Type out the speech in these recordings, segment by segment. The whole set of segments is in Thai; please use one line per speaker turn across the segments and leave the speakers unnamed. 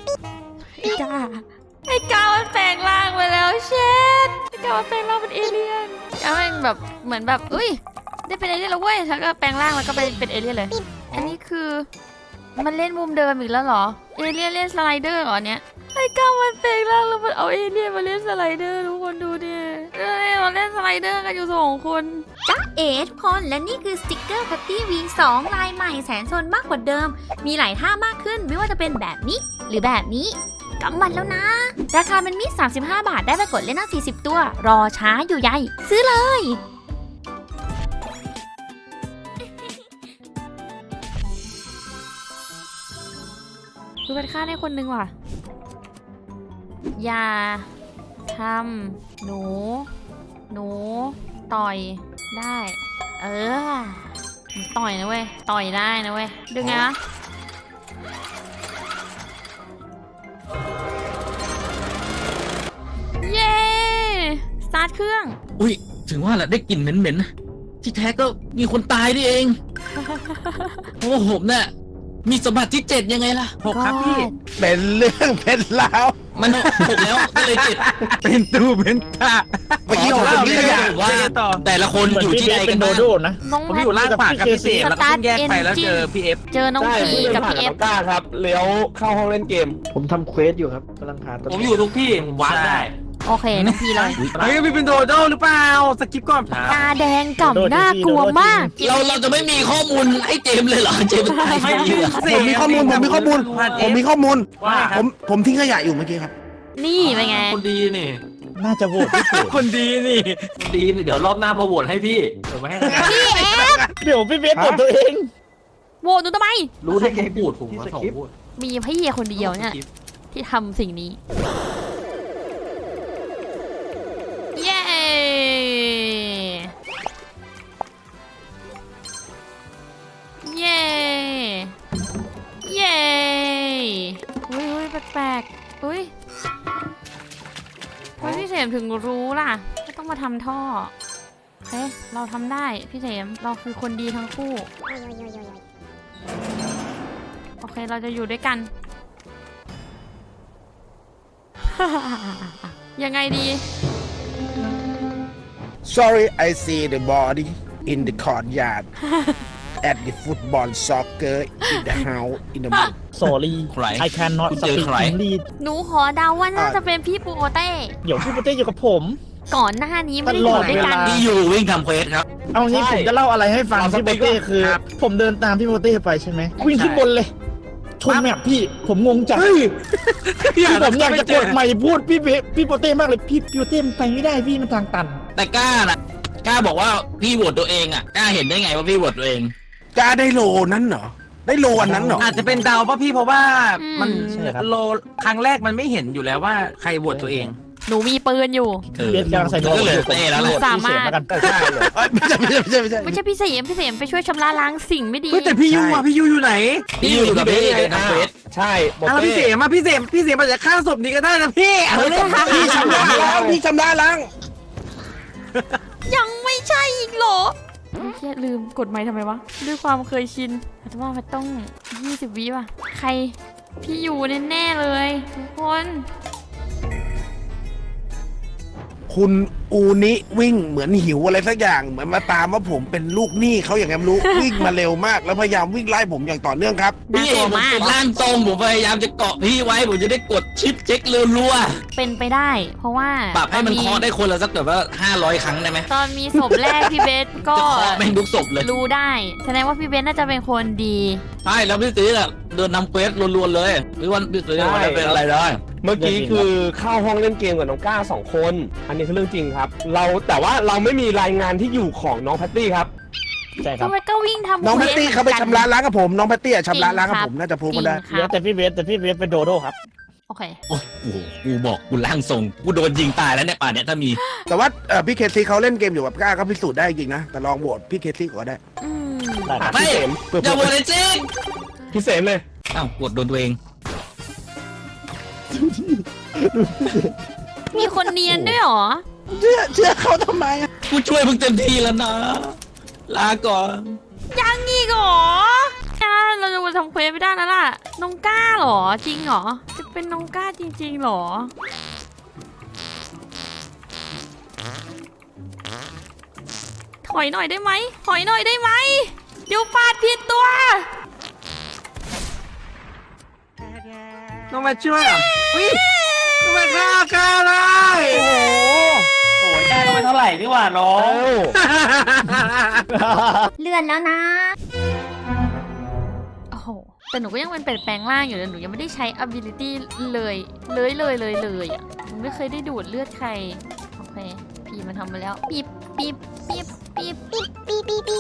ไอ้กามันแปลงร่างไปแล้วเชดไอ้กามันแปลงร่างเป็นเอเลี่ยนกาแม่งแบบเหมือนแบบอุ้ยได้เป็นเอเลี่ยนแล้วเว้ยแล้วก็แปลงร่างแล้วก็เป็นเอเลี่ยนเลยอันนี้คือมันเล่นมุมเดิมอีกแล้วเหรอเอเลี่ยนเล่นสไลเดอร์เหรอเนี่ยไอ้กามันแปลงร่างแล้วมันเอาเอเลี่ยนมาเล่นสไลเดอร์ทุกคนดูดิมาเล่นสไลเดอร์กันอยู่2 คน
จ๊ะเอ๋ทุกคนและนี่คือสติกเกอร์ Patty V2 ลายใหม่แสนโซนมากกว่าเดิมมีหลายท่ามากขึ้นไม่ว่าจะเป็นแบบนี้หรือแบบนี้กำมันแล้วนะราคาเป็นมีด35 บาทได้ไปกดเล่นหน้า40 ตัวรอช้าอยู่ใหญ่ซื้อเลย
ดูเป็นค่าได้คนนึงว่ะอย่าทำหนูต่อยได้ต่อยนะเว้ยต่อยได้นะเว้ยดึงไงวะเย้สตาร์ทเครื่อง
อุ้ยถึงว่าแหละได้กลิ่นเหม็นๆที่แท้ก็มีคนตายนี่เอง โอ้ผมเนี่ยมีสมบัติที่7ยังไงล่ะ
6ครับพี่
เป็นเรื่องเป็นราว
มัน6แล้วก็เลย7
เป็นตู้เป็นตาเมื่อกี้ผมเรียก
ว่าแต่ละคนอยู่ที่ใดกันบ้าง
นะ
ผมอยู่ล่างปากกับพี่เสกแล้วก็แยกไปแล้วเจอพี่เอฟ
เจอน้องพีกับพี่เอฟ
ก้าครับเลี้ยวเข้าห้องเล่นเกม
ผมทำเควสอยู่ครับกำลังหา
ผมอยู่ทุกที่ผมวัดได้
โอเคน้องพีเลย
เฮ้ยพี่เป็นโดโดหรือเปล่าสกิปก่อน
ตาแดงก่ำน่ากลัวมาก
เราจะไม่มีข้อมูลให้เจมเลยเหรอเจมตาย
ผมมีข้อมูลผมทิ้งขยะอยู่เมื่อกี้ครับ
นี่เป็นไง
คนดีนี่
น่าจะโหวตที่สุด
คนดีนี่เดี๋ยวรอบหน้ามาโหวตให้พี่เดี๋ยวไม่ให้
พี่เอฟ
เดี๋ยวพี่เบสโหวตตัวเอง
โหวตหนูทำไม
รู้ได้ไงพูดผมมา2พูด
มีพี่คนเดียวเนี่ยที่ทำสิ่งนี้เย้เย้เย้อุ้ยแปลกๆอุ้ยพี่เสมถึงรู้ล่ะไม่ต้องมาทำท่อเฮ้ยเราทำได้พี่เสมเราคือคนดีทั้งคู่โอเคเราจะอยู่ด้วยกัน ยังไงดี
Sorry, I see the body in the courtyard at the football soccer in the house in the mood.
Sorry, I cannot speak English.
หนูขอเดาว่าน่าจะเป็นพี่ปูโอเต้
เดี๋ยวพี่ปูเต้อยู่กับผม
ก่อนหน้านี้ไม่ได้อยู่ด้วยกัน
ที่อยู่วิ่งทำเควสครับ
เอางี้ผมจะเล่าอะไรให้ฟังพี่ปูเต้คือผมเดินตามพี่ปูเต้ไปใช่ไหมวิ่งขึ้นบนเลยชนแมพพี่ผมงงจัดพี่ผมอยากจะกดใหม่พูดพี่ปูเต้มากเลยพี่ปูเต้ไปไม่ได้พี่มันทางตัน
แต่กล้านะกล้าบอกว่าพี่โหวตตัวเองอ่ะกล้าเห็นได้ไงว่าพี่โหวตตัวเอง
กล้าได้โลนั้นเหรอได้โลวันนั้นเหรอ
อาจจะเป็นดาวป่ะพี่เพราะว่ามันโลครั้งแรกมันไม่เห็นอยู่แล้วว่าใครโหวตตัวเอง
หนูมีปืนอยู่
เรียนการใส่
ก็เลยเต้แล้ว
สามารถ
ใช่เหรอไม่ใช่
พี่เสมไปช่วยชำระล้างสิ่งไม่ดี
แต่พี่ยูอยู่ไหน
พี่อยู่กับพี่ทำเควส
ใช่
พี่เสมอาจจะฆ่าศพนี้ก็ได้นะพี่
พี่ชำระล้าง
ยังไม่ใช่อีกเหรอแค่ลืมกดไมค์ทำไมวะด้วยความเคยชินแต่ว่ามันต้อง20 วิป่ะใครพี่อยู่แน่ๆเลยทุกคน
คุณอูนิวิ่งเหมือนหิวอะไรสักอย่างเหมือนมาตามว่าผมเป็นลูกหนี้เขาอย่างไงไม่รู้ วิ่งมาเร็วมากแล้วพยายามวิ่งไล่ผมอย่างต่อเนื่องครับ
พี่ผมเป็นร่างทรงผมพยายามจะเกาะพี่ไว้ผมจะได้กดชิปเช็ครัว
ๆเป็นไปได้เพราะว่า
ปรับให้มันเคาะได้คนละสักแบบว่า500 ครั้งได้ไหม
ตอนมีศพแรกพี่เบสก็
ไม่ทุกศพเลย
รู้ได้แสดงว่าพี่เบสน่าจะเป็นคนดี
ใช่แล้วพี่ตีอ่ะเดินนำเควสรัวๆเลยหรือว่าพี่ตีจะเป็นอะไรได้
เมื่อกี้คือเข้าห้องเล่นเกมกับน้องก้า2 คนอันนี้คือเรื่องจริงครับแต่ว่าเราไม่มีรายงานที่อยู่ของน้องแพตตี้ครับ
ใช่ครับ
ก็วิ่งทำ
น้องแพตตี้เขาไปชำระล้างกับผมน้องแพตตี้ชำระล้างกับผมน่าจะพูดมาได้
แต่พี่เบสเป็นโดโด้ครับ
โอเค
โอ้โหกูบอกกูร่างทรงกูโดนยิงตายแล้วเนี่ยป่านเนี้ยถ้ามี
แต่ว่าพี่เคซี่เขาเล่นเกมอยู่กับก้าก็พิสูจน์ได้จริงนะแต่ลองโหวตพี่เคซี่ก็ได้
ไม่อย่าโหวตเลยจริง
พี่เสมเลย
อ้าวโหวตโดนตัวเอง
มีคนเนียนด้วยหรอ
เชื่อเขาทำไม
กูช่วยมึงเต็มที่แล้วนะลาก่อน
ยังอีกหรอเราจะมาทำเควสไม่ได้แล้วล่ะน้องก้าหรอจริงหรอจะไปเป็นน้องก้าจริงๆหรอ ถอยหน่อยได้ไหมถอยหน่อยได้ไหมเดี๋ยวปาดผิดตัว
ต้องมาช่วยเหรอต้องมาฆ่าเลย
โอ้ยได้ไปเท่าไหร่นี่หว่าน้อง
เลื่อนแล้วนะ
โอ้โห แต่หนูก็ยังเป็นแปลงร่างอยู่เลยหนูยังไม่ได้ใช้ ability เลยอ่ะหนูไม่เคยได้ดูดเลือดใคร โอเค พีมันทำมาแล้ว ปีบปีบปีบปีบปีบปีบปีบปีบ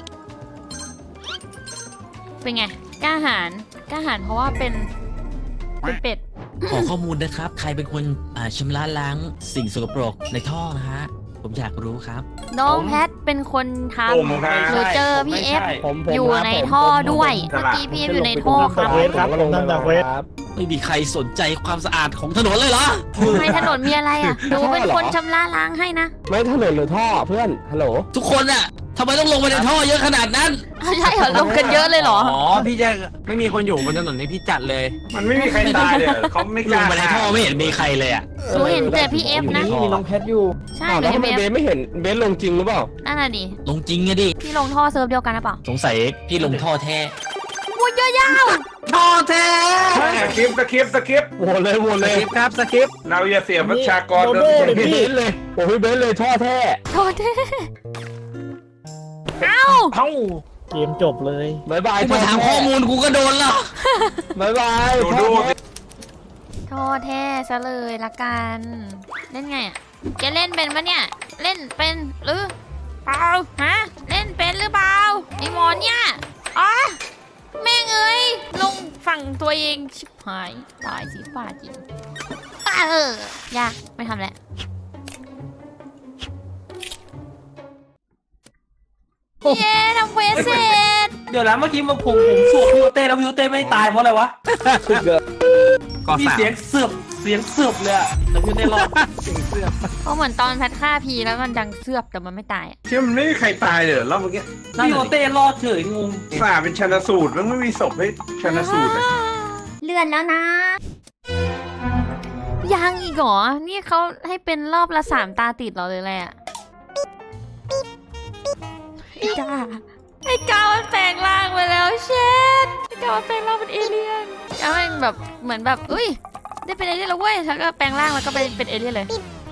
เป็นไง กล้าหาญเพราะว่าเป็นเป็ด
ขอข้อมูลนะครับ ใครเป็นคนชำระล้างสิ่งสกปรกในท่อนะฮะ ผมอยากรู้ครับ
น้องแพทเป็นคนท
ผมครับ
ำหนูเจอพี่เอฟ
ผม
อยู่ในท่อด้วย เมื่อกี้พี่เอฟอยู่ในท่อครับ
เวทครับผมทำจากเวท
ไม่มีใครสนใจความสะอาดของถนนเลยเหรอ
ทำไมถนนมีอะไรอ่ะหนูเป็นคนชำระล้างให้นะ
ไม่ถนนหรือท่อเพื่อน ฮัลโหล
ทุกคนอะทำไมต้องลงไปในท่อเยอะขนาดนั้น
เอาใช่เหรอลงกันเยอะเลยเหรอ
อ๋อพี่จะไม่มีคนอยู่บนถนนนี่พี่จัดเลย
มันไม่มีใครตายเลยเขาไม่ก
ล
ล้าง
ไปในท่อไม่เห็นมีใครเลยอะ
หนูเห็นแต่พี่เอฟนะ
มีน้องแพทอยู่
ใช่
อ้าว
หนู
แล้ว
เห็
ทำ
น
ไม
พี่เอฟ
เบสไม่เห็นเบสลงจริงหรือเปล่า
นั่นน่ะดิ
ลงจริงอะดิ
พี่ลงท่อเซิร์ฟเดียวกันหรือเปล่า
สงสัยพี่ลงท่อแท้
โอ้ยยาว
ท่อแท้
สคริปต์
โหวตเลยโหวต
ส
เลย
คริปต์ครับสคริปต์
เราอย่าเสียประชากร
โดโดเลย
พี่
พี่
เบสเลยโอ้พี่เบสเลยท่อแท้
ๆโทษทีเอ้า
เอ้า
เกมจบเลย
บายบาย
กูมาถามข้อมูลกูก็โดนแล้ว
บายบาย
ดู
ท่อ
ดู
แท้
โทษแท้ซะเลยละกัน เล่นไงอ่ะแกเล่นเป็นปะเนี่ย เล่นเป็นหรือเปล่าฮะ เล่นเป็นหรือเปล่าไอหมอนเนี่ยอ๋อแม่งเอ้ยลงฝั่งตัวเองชิบหายตายสิป่าจริงยากไม่ทำแล้ว เย้ทำเควสเสร็จ
เดี๋ยวนะเมื่อกี้ผมสวดพี่โอเต้แล้วพี่โอเต้ไม่ตายเพราะอะไรวะ
ก่อ
มี
สาม
เสียงเสือบเลยอะแต่พี่โอเต้รอด
เพราะเหมือนตอนแพทฆ่าพีแล้วมันดังเสือบแต่มันไม่ตายอะ
ที่มันไม่มีใครตายเลยรอบเมื่อกี้
พี่โอเต้รอดเฉยงง
สาเป็นชันสูตรแล้วไม่มีศพให้ชันสูตรเลย
เลื่อนแล้วนะ
ยังอีกเหรอ นี่เขาให้เป็นรอบละ3 ตาติดเหรอเลยแหละไอ้กามันแปลงร่างไปแล้วเชดไอ้กามันแปลงร่างเป็นเอเลี่ยนกามันแบบเหมือนแบบอุ้ยได้เป็นเอเลี่ยนแล้วเว้ยแล้วก็แปลงร่างแล้วก็เป็นเอเลี่ยนเลย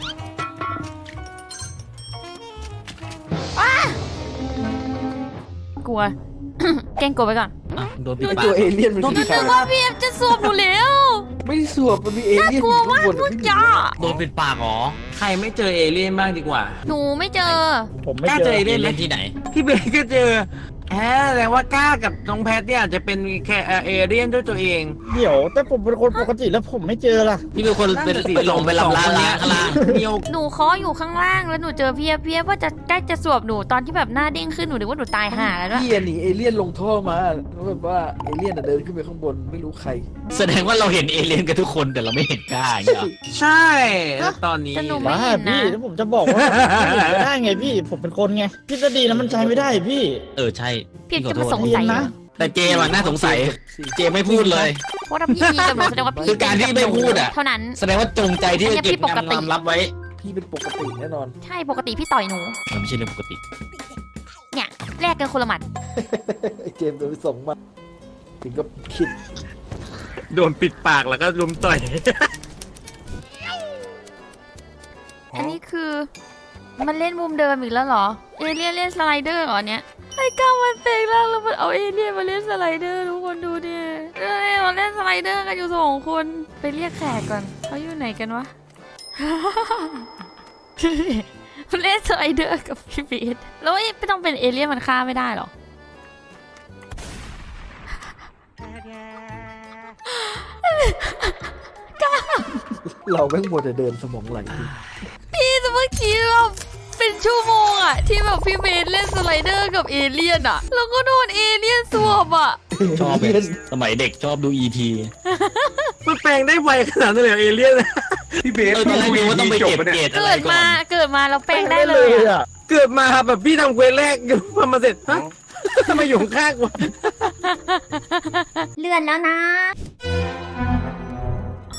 ว้ากลัว แกล้งกลัวไปก่อน
อ่ะโดนปิดปา
ตัว
ก
เอเลี่ยนมัน
นึ
คื
ก
อใคร
ว่าพี่เอฟจะสวมหนูแล้ว
ไม่ได้สวบมันมีเอเลี่ยน
กลัวมากพูดจ้า
โดนปิดปากเหรอ
ใครไม่เจอเอเลี่ยนบ้างดีกว่า
หนูไม่เจอ
ผมไม่
กล้า
เจ
เจ
อ
อ
เล่นเล่นที่ไหน
พี่เบสก็เจอแสดงว่ากล้ากับน้องแพทเนี่ยอาจจะเป็นแค่เอเลี่ยนด้วยตัวเอง
เดี๋ยว แต่ผมเป็นคนปกติแล้วผมไม่เจอล่ะ
พี่เป็นคนไปลงไปลำล้างข้างล่าง
เดียว
หนูเคาะอยู่ข้างล่างแล้วหนูเจอพี่เอฟพี่เอฟว่าจะใกล้จะสวบหนูตอนที่แบบหน้าเด้งขึ้นหนูนึกว่าหนูตายห่าแล้วด้วย
พี่หนีเอเลี่ยนลงท่อมาแล้วแบบว่าเอเลี่ยนเดินขึ้นไปข้างบนไม่รู้ใคร
แสดงว่าเราเห็นเอเลี่ยนกันทุกคนแต่เราไม่เห็นกล้าอย่างเงี้ยเหรอ
ใช่แล้วตอนนี้
แต่หนูไม่
บ้า
เห็นนะ
พี่แล้วผมจะบอกว่าไม่เห็นไม่ได้ไงพี่ ผมเป็นคนไงทฤษฎีแล้วมันใช้ไม่ได้พี่
ใช่
พี่
ขอ
จะ
โท
มา
ษ
สงสัย
เรียนนะ
แต่เจมส์อะน่าสงสัย เจมส์ไม่พูดเลย
เพราะถ้าพี่มีกับหนูแสดงว่าพี่
คือการที่ไม่พูดอะ
เท่านั้น
แสดงว่าจงใจที่จะเก็บ
อันนี้พี่ปกติ
ความลับไว้
พี่เป็นปกติแน่นอน
ใช่ปกติพี่ต่อยหนู
มันไม่ใช่เรื่องปกติ
เนี่ยแลกกันคนละหมัด
ไอ้เจมส์โดนไปส่งมาถึงก็คิด
โดนปิดปากแล้วก็ลุมต่อย
อันนี้คือมันเล่นมุมเดิมอีกแล้วเหรอ เอเลี่ยนเล่นสไลเดอร์เหรอเนี่ยไอ้ก้าวมันเปลงร่างแล้วมันเอาเอเลี่ยนมาเล่นสไลเดอร์ทุกคนดูดิมันเล่นสไลเดอร์กันอยู่2 คนไปเรียกแขกก่อนเขาอยู่ไหนกันวะ มันเล่นสไลเดอร์กับพี่บีทแล้วไม่ต้องเป็นเอเลี่ยนมันฆ่าไม่ได้หรอ
เราแม่งหมดแต่เดินสมองไหล
พี่แต่เมื่อกี้แบบเป็นชั่วโมงอะที่แบบพี่เบนเล่นสไลเดอร์กับเอเลี่ยนอะแล้วก็โดนเอเลี่ยนสวบอะ
ชอบเลยสมัยเด็กชอบดู ET
มันแปลงได้ไวขนาดนั้นเลยเหรอเอเลี่ยน
พี่เบส
ตอนแรกดูว่าต้องไปเก็บเกรดอะไร
เกิด
ก่อ
มาน เกิดมาแล้วแปลงได้เลยอะ
เกิดมาแบบพี่ทำเควสแรกอยู่พอมาเสร็จฮะทำไมอยู่ข้างๆวะ
เลื่อนแล้วนะ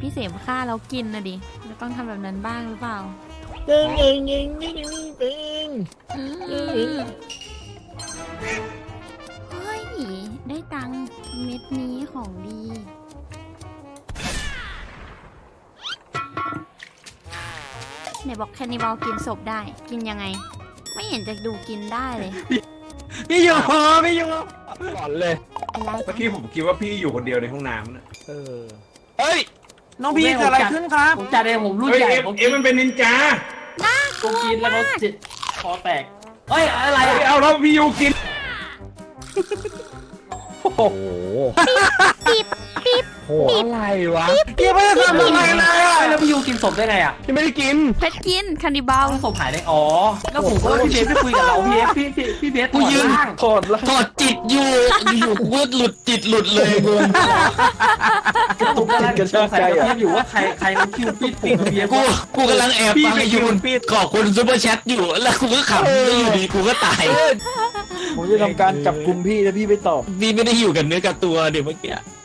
เสพฆ่าแล้วกินนะดิเราต้องทำแบบนั้นบ้างหรือเปล่า เฮ้ย ได้ตังค์เม็ดนี้ของดีไหนบอกแคนิบอลกินศพได้ กินยังไง ไม่เห็นจะดูกินได้เลย
พี่อยู่พี่อยู่
ก่อนเลย
อะไร
เมื่อกี้ผมคิดว่าพี่อยู่คนเดียวในห้องน้ำนะ
เฮ้ยน้องพี่เกิดอะไรขึ้นครับ
ผมจัดเองผมรุ่น
เฮ้ย
ใหญ่
เอฟ
ผม
เอฟมันเป็นนินจา
ผมกินแล้วเขาจิตคอแตกเฮ้ยอะไร
เฮ้ย
อะ
เอาแล้วพี่ยูกิน
โอ้โห
โอ้อะไรวะพี่ไม่ได้ทำอะไรเลยอะ
แล้วพี่ยูกินศพได้ไงอะ
ยังไม่ได้กิน
เพชรกินแคนิบอล
ศพหายได้อ๋อแล้วผมก็ว่าพี่เบสไม่คุยกับเราพี่เบส
กูยืน
ล่าง
ถอดละ
ถอดจิตอยู่อยู่กูก็หลุดจิตหลุดเลยกู
ผมกำลังสงสัยกับพี่อยู่ว่าใครมันคิวปิดผมกับพี่เบส
กูกำลังแอบฟังไอ้ยูนขอบคุณซูเปอร์แชทอยู่แล้วกูก็ขำแล้วอยู่ดีกูก็ตาย
ผมจะทำการจับกลุ่มพี่แล้วพี่ไปตอบ
พี่ไม่ได้อยู่กับเนื้อกับตัวเดี๋ยวเมื่อกี้